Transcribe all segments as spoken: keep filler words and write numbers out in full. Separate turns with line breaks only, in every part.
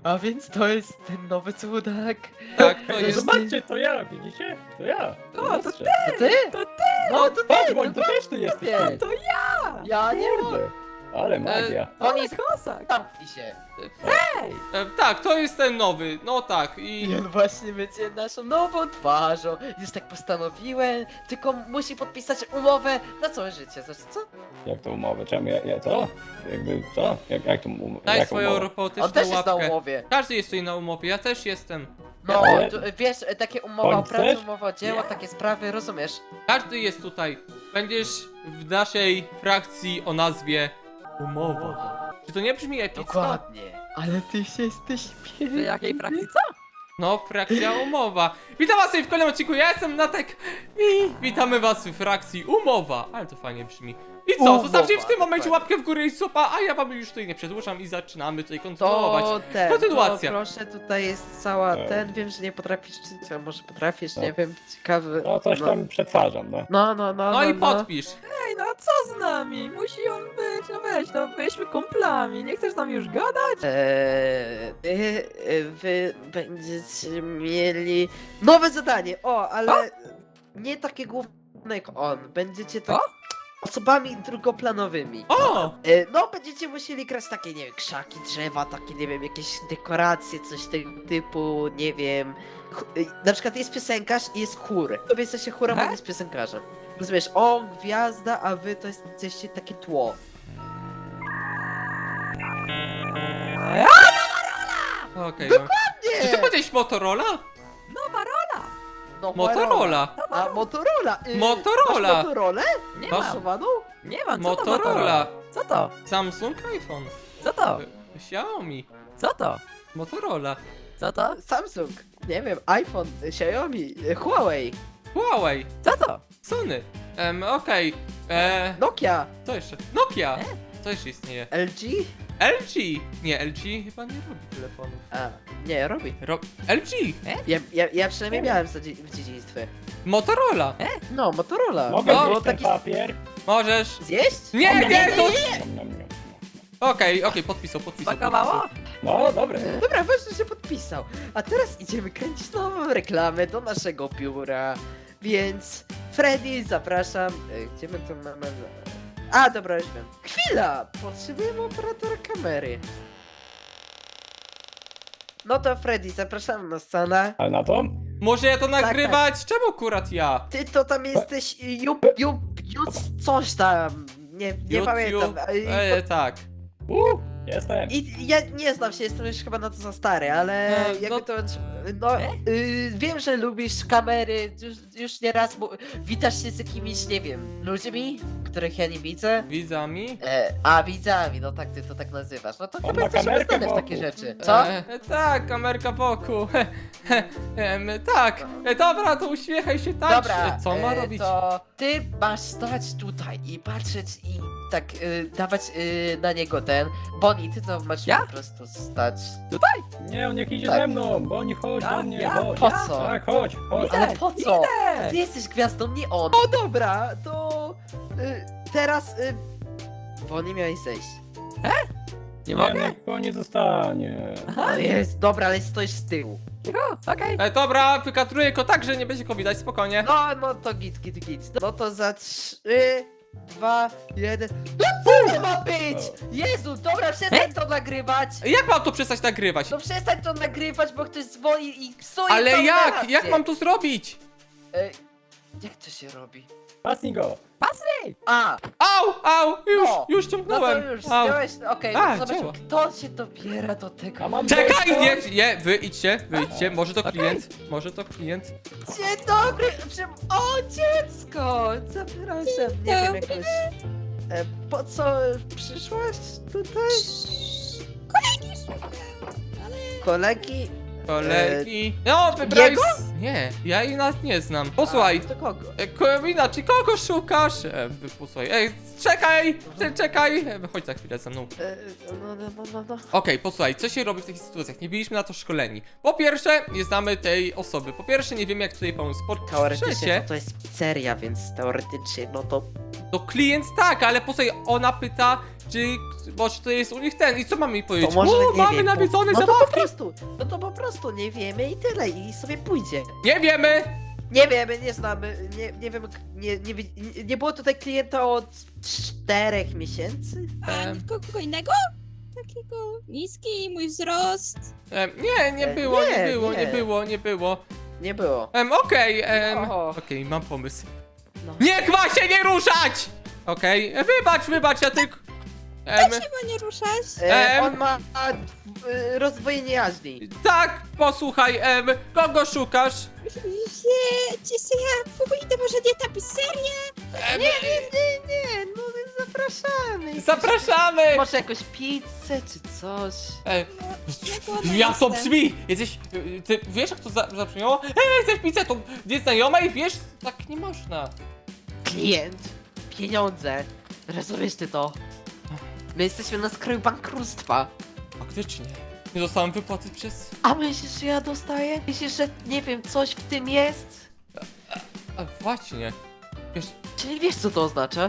A więc to jest ten nowy cudak.
Tak, to
No
jest...
Zobaczcie, to ja, widzicie? To ja.
O, to
Zobaczcie.
To ty?
To
No to
Patrz,
ty, no
Boń, to też ty jesteś.
ty.
To ja!
Ja nie mam.
Kurde, ale magia.
Oni
Ale kosak!
zamknij się.
Hej!
E, tak, to jest ten nowy, no tak i...
I on właśnie będzie naszą nową twarzą. Już tak postanowiłem, tylko musi podpisać umowę na całe życie. Znaczy co?
Jak to umowę? Czemu ja, ja co? Jakby co? Jak, jak to um,
Daj
jak
swoją
umowę?
On
robotyczną
też jest na
łapkę.
umowie.
Każdy jest tutaj na umowie, ja też jestem.
No,
Ale-
tu, wiesz, takie umowa o
On
pracę,
też?
umowa o dzieło,
Nie.
takie sprawy, rozumiesz?
Każdy jest tutaj. Będziesz w naszej frakcji o nazwie Umowa. Czy to nie brzmi epicko?
Dokładnie. Ale ty się jesteś
W
piękny.
jakiej frakcji co?
No, frakcja Umowa. Witam was w kolejnym odcinku, ja jestem Natek i witamy was w frakcji Umowa. Ale to fajnie brzmi. I co,
Umowa,
zostawcie w tym momencie
dokładnie.
łapkę w górę i supa, a ja wam już tutaj nie przedłużam i zaczynamy tutaj kontynuować.
To ten,
Kontynuacja.
To proszę, tutaj jest cała
E.
ten, wiem, że nie potrafisz czytać, a może potrafisz,
No.
nie wiem, ciekawy.
No coś tam przetwarzam, no.
No, no, no,
No i
no.
podpisz.
Ej, no a co z nami? Musi on być, no weź, no byliśmy kumplami, nie chcesz z nami już gadać?
Eee, wy, wy będziecie mieli nowe zadanie, o, ale nie takie główne jak on, będziecie tak
O?
osobami drugoplanowymi.
O!
E, No, będziecie musieli grać takie, nie wiem, krzaki, drzewa, takie, nie wiem, jakieś dekoracje, coś tego typu, nie wiem. Ch- e, Na przykład jest piosenkarz i jest chór. Wy jesteście chórem, a
He?
on jest piosenkarzem. Rozumiesz, on gwiazda, a wy to jest- jesteście takie tło.
Okej, no. Czy ty
Nie!
powiedziałeś Motorola?
Nowa rola!
No,
Motorola.
A, Motorola! Y,
Motorola.
Masz Motorolę?
Nie
Masz-
mam,
Pasowaną?
nie mam, co to
Motorola.
Motorola? Co to?
Samsung, iPhone.
Co to?
Xiaomi.
Co to?
Motorola.
Co to?
Samsung, nie wiem, iPhone, y, Xiaomi, y, Huawei,
Huawei.
Co to?
Sony. Em, okej. E,
Nokia,
Co jeszcze? Nokia. Co jeszcze istnieje?
L G?
L G. Nie, L G chyba nie robi telefonów.
A, nie, robi.
Ro L G.
Ja, ja, ja przynajmniej miałem w dzie- w dzieciństwie.
Motorola.
No, Motorola.
Mogę
No,
było
zjeść ten
taki...
papier?
Możesz.
Zjeść?
Nie, nie, to...
Nom, nom, nom.
Okej, okej, podpisał, podpisał.
Smakowało?
podpisał.
No, dobre.
Dobra, ważne, że podpisał. A teraz idziemy kręcić nową reklamę do naszego biura. Więc Freddy, zapraszam. E, Gdzie my to mamy? A, dobra, już wiem. Chwila! Potrzebujemy operatora kamery. No to Freddy, zapraszam na scenę.
Ale na to?
Może ja to
Tak,
nagrywać? Czemu akurat ja?
Ty to tam jesteś jup, jup, jup, coś tam. Nie, nie
YouTube?
pamiętam. E,
E, tak.
Uh, jestem.
I ja nie znam się, jestem już chyba na to za stary, ale
No,
jakby
no-
to... No, y, wiem, że lubisz kamery, już, już nieraz mu- witasz się z jakimiś, nie wiem, ludźmi, których ja nie widzę.
Widzami?
E, a, widzami, no tak, ty to tak nazywasz. No to
On
chyba
ma
jesteś
kamerkę
znany w takie
wokół.
rzeczy. Co?
E, tak, kamerka wokół. em, tak, e, dobra, to uśmiechaj się, tańcz.
Dobra,
E, Co ma
e,
robić?
to ty masz stać tutaj i patrzeć i tak y, dawać y, na niego ten. Bonnie, ty to masz
Ja?
po prostu stać.
Nie, on niech idzie
Tak.
ze mną, bo nie chodź
Ja,
do mnie,
ja,
chodź.
Po co?
Tak, chodź, chodź.
Idę,
Ale po co?
idę.
Ty jesteś gwiazdą, nie on. No dobra, to y, teraz y, Bonnie miałeś zejść.
Nie
Nie,
mogę?
niech go nie zostanie.
Aha,
No jest, dobra, ale stoisz z tyłu.
cicho, okej.
E, dobra, wykatruję go tak, że nie będzie go widać, spokojnie.
No, no to git, git, git. No to za trzy, dwa, jeden. No co to ma być? Jezu, dobra, przestań to nagrywać.
Jak mam to przestać nagrywać?
No przestań to nagrywać, bo ktoś dzwoni i psuje
Ale
całą
jak?
relację.
Jak mam to zrobić?
E, jak to się robi?
Pasnij go.
Pasy!
A,
Au, au, już,
No,
już
no
ciągnąłem.
to już,
Au.
zdjąłeś, okej,
A,
no to zobacz,
działa.
kto się dobiera do tego.
A mam
Czekaj,
dziecko?
nie, nie, wy idźcie, wy idźcie, może to
Okej.
klient, może to klient.
Dzień dobry! Przy... O, dziecko! Zapraszam, nie wiem jakoś... E, po co przyszłaś tutaj? Kolegi?
Kolegi. No, wybrałeś...
Jego?
Nie, ja jej nas nie znam. Posłuchaj,
A, to kogo?
e, Komina, czy kogo szukasz? E, wy- posłuchaj, ej, czekaj, ty, czekaj. E, chodź za chwilę ze mną.
E, no, no, no, no, no.
Okej, posłuchaj, co się robi w takich sytuacjach? Nie byliśmy na to szkoleni. Po pierwsze, nie znamy tej osoby. Po pierwsze, nie wiemy jak tutaj pomóc. Po
Teoretycznie
trzecie,
to, to jest pizzeria, więc teoretycznie, no to...
to klient tak, ale posłuchaj, ona pyta, czy... Bo czy to jest u nich ten i co mamy jej powiedzieć?
To może,
o,
nie
mamy
wiem,
nawiedzone
no to po
zabawki.
prostu po prostu nie wiemy i tyle, i sobie pójdzie.
Nie wiemy!
Nie wiemy, nie znamy, nie, nie wiem, nie, nie, wi- nie, nie było tutaj klienta od czterech miesięcy?
A
Em.
nikogo kogo innego? Takiego niski, mój wzrost.
Em, nie, nie
E,
było, nie,
nie,
było, nie.
nie.
było, nie było.
Nie było.
Em, okej, em,
O.
okej, mam pomysł.
No.
Niech ma się nie ruszać! Okej, wybacz, wybacz, ja tylko... Em,
Chyba nie ruszać.
E,
Em.
on ma e, rozdwojenie jaźni.
tak, posłuchaj, em, kogo szukasz?
Wiecie, co ja w ogóle idę może nie tapiserię?
Em,
Nie, nie, nie, nie, no zapraszamy.
zapraszamy!
Może jakąś pizzę czy coś.
Em,
Ja głodna
jak to
jestem.
brzmi? Jesteś, y, ty wiesz jak to za- zabrzmiało? Ej, chcesz pizzę, to nieznajomej, wiesz? Tak nie można.
Klient, pieniądze. Rozumiesz ty to? My jesteśmy na skraju bankructwa.
Faktycznie. Nie dostałem wypłaty przez...
A myślisz, że ja dostaję? Myślisz, że nie wiem, coś w tym jest?
A właśnie. Wiesz,
Czyli wiesz, co to oznacza?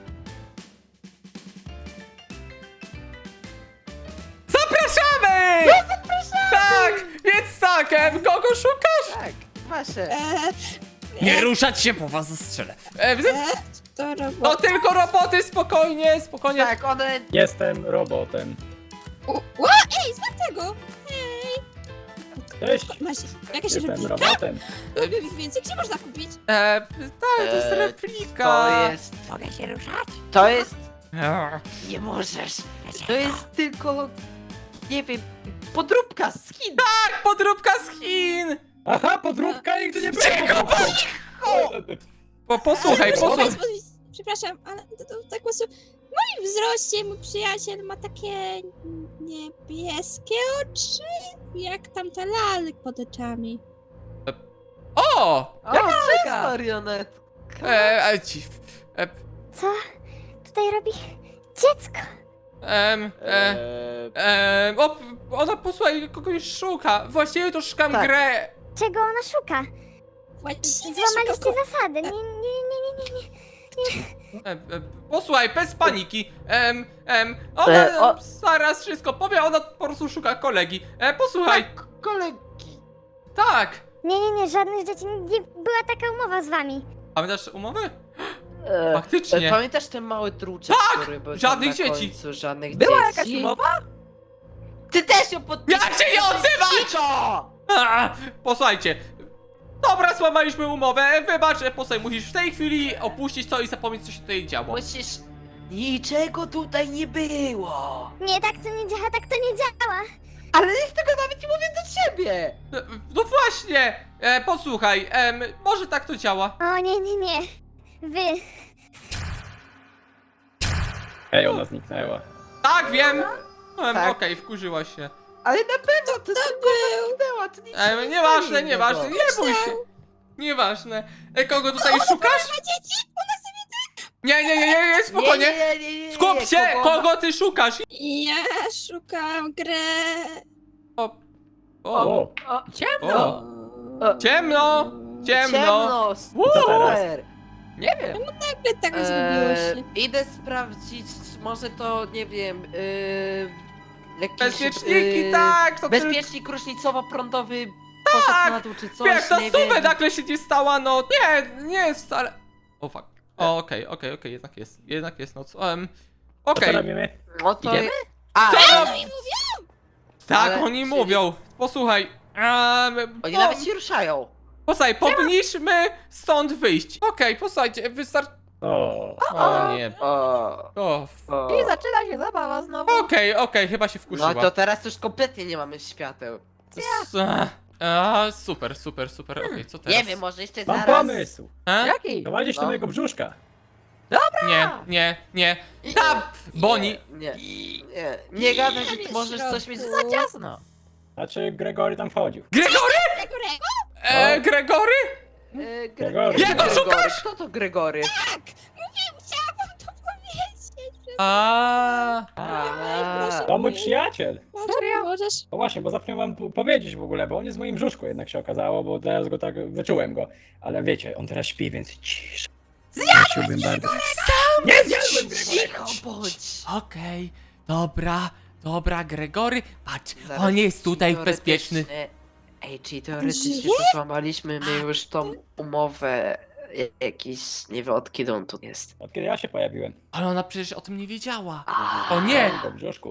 zapraszamy!
No, zapraszamy!
Tak, więc tak, em, kogo szukasz?
Tak, wasze.
Eee,
Nie ruszać się, bo was zastrzelę. Em, z-
eee, to
to
robota.
tylko roboty, spokojnie, spokojnie.
Tak, one...
Jestem robotem.
U- Ła, ej, złap tego! Hej!
Cześć.
Masz jakaś
Jestem
replika?
robotem.
Lubię ich więcej. Gdzie można kupić?
E, tak, to jest
E,
replika.
To jest...
Mogę się ruszać?
To jest...
Eee,
Nie możesz. To jest tylko... Nie wiem... Podróbka z Chin.
Tak, podróbka z Chin.
Aha, podróbka nigdy nie było!
Po, posłuchaj,
Proszę
posłuchaj.
państwa, przepraszam, ale to, to, tak po prostu w moim wzroście mój przyjaciel ma takie niebieskie oczy, jak tamte lalek pod oczami.
O!
O,
Jaka
cześć,
lalka?
marionetka.
E, e, ci, e,
Co tutaj robi dziecko?
em, e,
Eee,
em, o, ona posłuchaj, kogoś szuka. Właściwie to szukam
Tak.
grę.
Czego ona szuka?
Właśnie
Złamaliście
szukam-
zasady. Nie, nie, nie, nie, nie, nie.
E, e, posłuchaj, bez paniki. Em, em, ona
E, o-
zaraz wszystko powie, ona po prostu szuka kolegi. E, posłuchaj,
tak, kolegi.
tak.
Nie, nie, nie, żadnych dzieci. Nie była taka umowa z wami.
Pamiętasz umowę?
Eee,
Faktycznie.
e, Pamiętasz ten mały druczek,
Tak!
który był tam
Żadnych
na
dzieci.
końcu, żadnych
Była
dzieci.
jakaś umowa?
Ty też ją podpisałeś!
Jak się nie odzywać?
Cicho!
A, posłuchajcie. Dobra, złamaliśmy umowę. Wybacz, e, posłuchaj, musisz w tej chwili opuścić to i zapomnieć, co się tutaj działo.
Musisz... Niczego tutaj nie było!
Nie, tak to nie działa, tak to nie działa.
Ale niech tego nawet nie mówię do ciebie!
E, No właśnie! E, posłuchaj, em, może tak to działa.
O, nie, nie, nie. Wy.
Ej, ona zniknęła.
Tak, wiem! Em,
Tak.
Okej, wkurzyła się.
Ale na pewno to tylko zamknęła, to nic się
Em,
nie
nieważne,
stanie
nieważne,
innego.
nie bój się. Nieważne. E, kogo tutaj szukasz?
Ma dzieci? Ona sobie...
Nie, nie, nie, nie, nie, spokojnie.
Nie, nie, nie, nie, nie,
Skup
nie,
się,
kogo-
kogo ty szukasz?
Ja szukam grę...
O, o,
O,
O,
Ciemno!
o,
ciemno, ciemno.
ciemno,
co teraz?
super!
Nie wiem.
Nagle tak zrobiło
Eee,
się.
idę sprawdzić, może to, nie wiem, yy, jakiś...
Bezpieczniki,
yy,
tak, to tylko...
Bezpiecznik różnicowo-prądowy poszedł na dół czy coś,
Jak ta
nie
stówę
wiem.
nagle się nie stała, no nie, nie jest wcale... O fuck. O, okej, okej, okej, jednak jest, jednak jest noc. Um,
co
okej.
robimy?
No to...
Idziemy?
A,
Co?
ale-
Tak,
Ale-
oni
czyli-
mówią. Posłuchaj. Um,
Oni
po,
nawet się ruszają.
Posłuchaj, powinniśmy stąd wyjść. Okej, posłuchajcie, wystarczy...
O,
O nie.
O,
O, f-
o.
I zaczyna się zabawa znowu.
Okej, okej, chyba się wkurzyła.
No to teraz już kompletnie nie mamy świateł.
S- a, super, super, super, okej, co teraz?
Nie wiem, może jeszcze
mam
zaraz...
pomysł.
E?
Jaki?
Prowadzisz do
No.
mojego brzuszka.
Nie, nie, nie. Tam! Boni!
Nie, nie, nie gadaj, że
Tam
ty
jest
możesz coś
środku.
mieć za ciasno.
Znaczy, Gregory tam wchodził.
Gregory?
Grego?
E,
No.
Gregory?
E,
Gregory.
Jego
Gregory.
szukasz?
Kto to Gregory?
Mówię, chciałam wam to powiedzieć.
A.
A,
proszę.
To mój przyjaciel.
Serio? Możesz?
No właśnie, bo zapomniałem wam p- powiedzieć w ogóle, bo on jest w moim brzuszku, jednak się okazało, bo teraz go tak wyczułem go. Ale wiecie, on teraz śpi, więc cisz. Zjadłeś bardzo. Nie zjadłem Gregorego!
cicho bądź.
Okej, dobra, dobra, Gregory. Patrz,
Zaraz
on jest tutaj
teoretycznie
bezpieczny.
Ej, czyli teoretycznie
Żyje?
to złamaliśmy my już tą umowę. Ja- Jakiś, nie wiem od kiedy on tu jest.
Od kiedy ja się pojawiłem.
Ale ona przecież o tym nie wiedziała.
A,
O nie!
Go w brzuszku.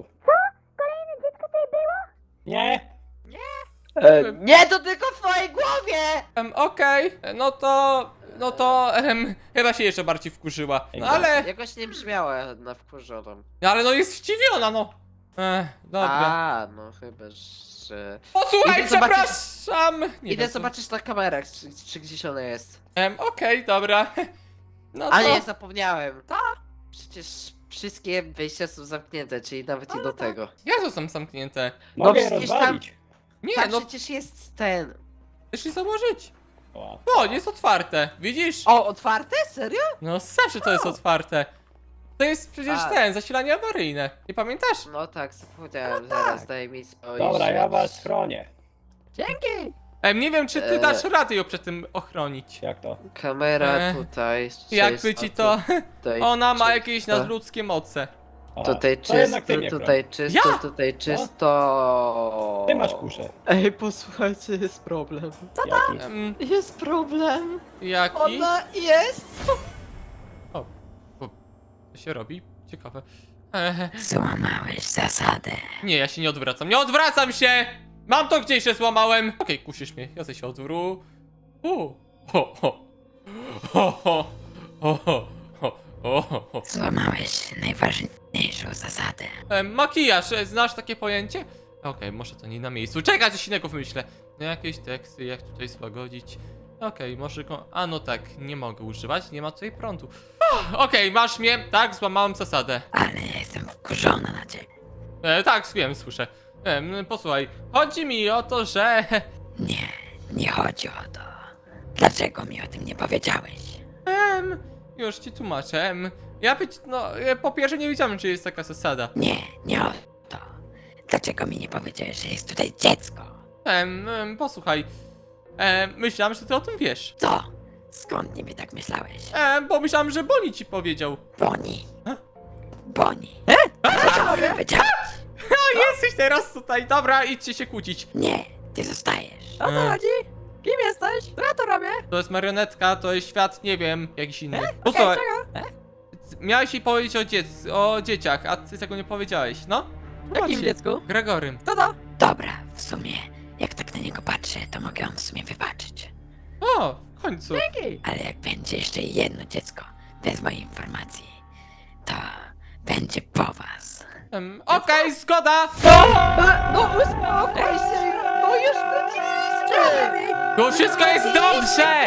Nie!
e, nie, to tylko w twojej głowie!
Em, Okej, no to... No to... Em, chyba się jeszcze bardziej wkurzyła. No ale...
Jakoś nie brzmiała na wkurzoną.
Ale no jest zdziwiona, no. Ech, dobra.
A, no chyba, że...
Posłuchaj,
Idę zobaczyć-
przepraszam! Nie
Idę
wiem, co-
zobaczyć na kamerach, czy, czy gdzieś ona jest.
Em, Okej, dobra. No
A
to...
nie, zapomniałem. Tak. Przecież wszystkie wyjścia są zamknięte, czyli nawet i do tego.
Jak to są zamknięte?
Mogę je
przecież
rozwalić.
Nie,
Tam
no
przecież jest ten...
chcesz je założyć.
O,
O, jest otwarte, widzisz?
O, otwarte? Serio?
No zawsze to jest otwarte. To jest przecież
A.
ten, zasilanie awaryjne. Nie pamiętasz?
No tak, zapomniałem, zaraz daj mi spojrzeć.
dobra, ja was chronię.
Dzięki!
Em, nie wiem, czy ty
Eee.
dasz radę ją przed tym ochronić.
Jak to?
Kamera
E,
tutaj.
Jakby
czysto,
ci to...
Tutaj,
Ona ma
czysto.
jakieś nadludzkie moce.
A,
Tutaj
to jednak
czysto,
ty mnie
tutaj czysto,
Ja?
tutaj czysto.
Ty masz kuszę.
Ej, posłuchajcie, jest problem.
Jaki?
Em,
Jest problem.
jaki?
Ona jest.
Co się robi? Ciekawe. Eee,
Złamałeś zasadę.
nie, ja się nie odwracam. Nie odwracam się! Mam to gdzieś, że złamałem. Okej, kusisz mnie. Ja sobie się odwró... U. Ho, ho. Ho, ho. Ho, ho. Ho, ho, ho, ho.
Złamałeś najważniejszą zasadę.
E, makijaż, e, znasz takie pojęcie? Okej, może to nie na miejscu. Czekaj, coś innego wymyślę. Jakieś teksty, jak tutaj złagodzić. Okej, może go... A no tak, nie mogę używać, nie ma tutaj prądu. Uff, Okej, masz mnie. Tak, złamałem zasadę.
Ale ja jestem wkurzona na ciebie.
E, tak, wiem, słyszę. E, m, posłuchaj, chodzi mi o to, że...
Nie, nie chodzi o to. Dlaczego mi o tym nie powiedziałeś?
Em, już ci tłumaczę. Em, ja być... No, e, po pierwsze nie wiedziałem, czy jest taka zasada.
Nie, nie o to. Dlaczego mi nie powiedziałeś, że jest tutaj dziecko?
Em, em, posłuchaj. E, myślałem, że ty o tym wiesz.
Co? Skąd niby tak myślałeś?
E, bo myślałem, że Boni ci powiedział.
Boni.
E?
Boni. Dlaczego mi powiedziałeś?
A jesteś teraz tutaj, dobra, idźcie się kłócić.
Nie, ty zostajesz.
O co chodzi?
Kim jesteś? Co ja to robię?
To jest marionetka, to jest świat, nie wiem, jakiś inny. Posłuchaj, miałeś jej powiedzieć o, dziec o dzieciach, a ty tego nie powiedziałeś, no?
Jakim dziecku?
Gregorym.
Dobra, w sumie, jak tak na niego patrzę, to mogę ją w sumie wybaczyć.
O, w końcu.
Ale jak będzie jeszcze jedno dziecko, bez mojej informacji, to będzie po was.
Em, Okej, zgoda!
No uspokój się! No już wróciliśmy!
To wszystko jest dobrze!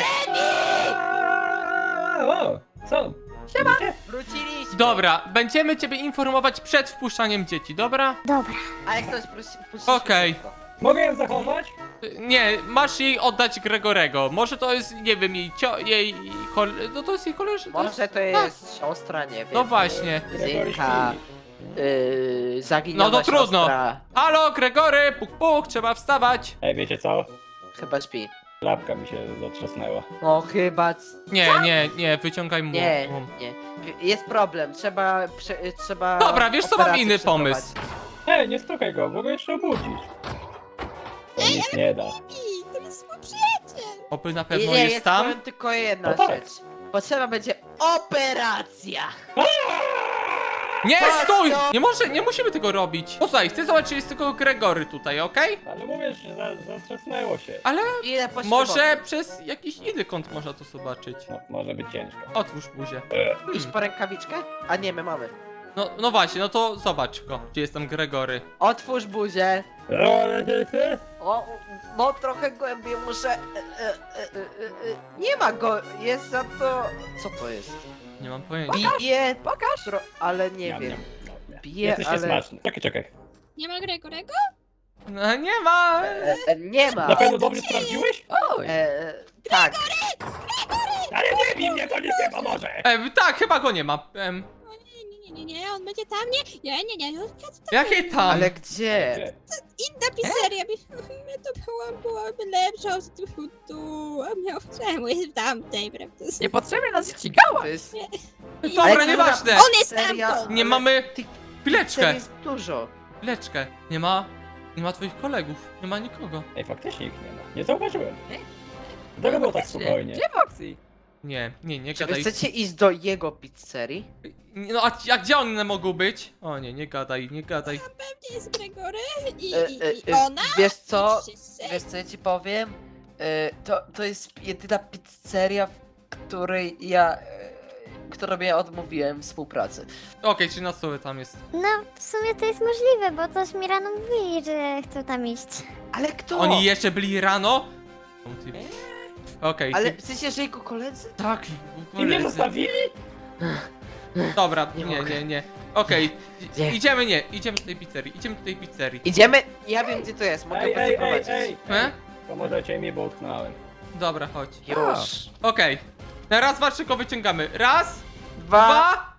O, co? Siema!
Wróciliśmy!
Dobra, będziemy ciebie informować przed wpuszczaniem dzieci, dobra?
Dobra.
A jak ktoś prosi,
Okej.
Mogę ją zachować?
Nie, masz jej oddać Gregorego. Może to jest, nie wiem, jej cio... jej... Kol... No to jest jej koleżanka.
Może to jest siostra, nie wiem.
No właśnie.
Zinka. Yy, zaginiona
No to trudno.
siostra.
Halo, Gregory, puk puk, trzeba wstawać.
Ej, wiecie co?
Chyba śpi.
Klapka mi się zatrzasnęła.
No chyba... c-
Nie, nie, nie, wyciągaj mu.
Nie,
mu.
nie. Jest problem, trzeba... Prze, trzeba...
Dobra, wiesz co, mam
operację
inny
przeprowadzić.
pomysł.
Ej, nie stukaj go, bo go jeszcze obudzisz. To nic nie da.
I to jest mój przyjaciel.
Oby na
Nie,
pewno
nie,
jest
jest
tam.
powiem tylko jedna
No tak.
rzecz. Potrzeba będzie operacja!
Nie,
Chodź
stój!
tu!
Nie może, nie musimy tego robić. Posłuchaj, chcę zobaczyć, czy jest tylko Gregory tutaj, okej?
Ale mówię, że za- zatrzasnęło się.
Ale
Ile poświęconych?
może przez jakiś inny kąt można to zobaczyć.
No, może być ciężko.
Otwórz buzię.
Iść po rękawiczkę? A nie, my mamy.
No, no właśnie, no to zobacz go, gdzie jest tam Gregory.
Otwórz buzię.
Ale ty, ty?
O, no trochę głębiej muszę... e, e, e, e, e, Nie ma go, jest za to... Co to jest?
Nie mam pojęcia.
Bije... Pokaż! Tro... Ale nie
Niam,
wiem.
niam, niam, niam.
Bije,
Jesteście
ale...
smaczny. Czekaj, czekaj.
Nie ma Gregorego?
No, nie ma!
E, e, nie ma.
Na pewno dobrze sprawdziłeś?
E, tak.
Ale nie bij mnie, to nic nie pomoże!
E, tak, chyba go nie ma. Em,
O nie, nie, nie, nie, nie, on będzie tam, nie, nie, nie, nie, nie,
jakie tam?
Ale gdzie?
Gdzie?
inna pizzeria, by- to była, byłaby lepsza od tu, tu, a miał czemu jest w tamtej, prawda?
Niepotrzebnie nas ścigała!
To jest...
Dobra,
Ale
nieważne.
która
On jest
seria?
tamtąd!
Nie
Ale
mamy...
tych
Chwileczkę,
serii jest dużo.
chwileczkę. Nie ma... Nie ma twoich kolegów, nie ma nikogo.
Ej, faktycznie ich nie ma. Nie zauważyłem. Dlaczego było tak spokojnie?
Gdzie Foxy?
Nie, nie, nie
Czy wy
gadaj.
chcecie iść do jego pizzerii?
No a, a gdzie one mogą być? O nie, nie gadaj, nie gadaj.
Gdzie jest Gregory? I,
E,
i,
e,
i
e,
ona?
Wiesz co?
I wszyscy?
Wiesz co ja ci powiem? E, To, to jest jedyna pizzeria, w której ja... e, którą ja odmówiłem współpracy.
Okej, czyli na stole tam jest.
No, w sumie to jest możliwe, bo coś mi rano mówili, że chcą tam iść.
Ale kto?
Oni jeszcze byli rano? Okej,
Ale
ty-
w sensie, że jego koledzy?
tak.
I mnie zostawili?
Dobra,
Nie
nie,
mogę.
nie, nie. Okej,
Nie.
idziemy, nie, idziemy do tej pizzerii, idziemy do tej pizzerii.
Idziemy? Ja wiem gdzie to jest, mogę
Ej,
was
ej, ej,
zaprowadzić.
ej.
E?
Pomożecie mi, bo utknąłem.
Dobra, chodź.
Już.
Okej. Na raz, dwa, trzy, go wyciągamy. Raz,
Dwa,
dwa,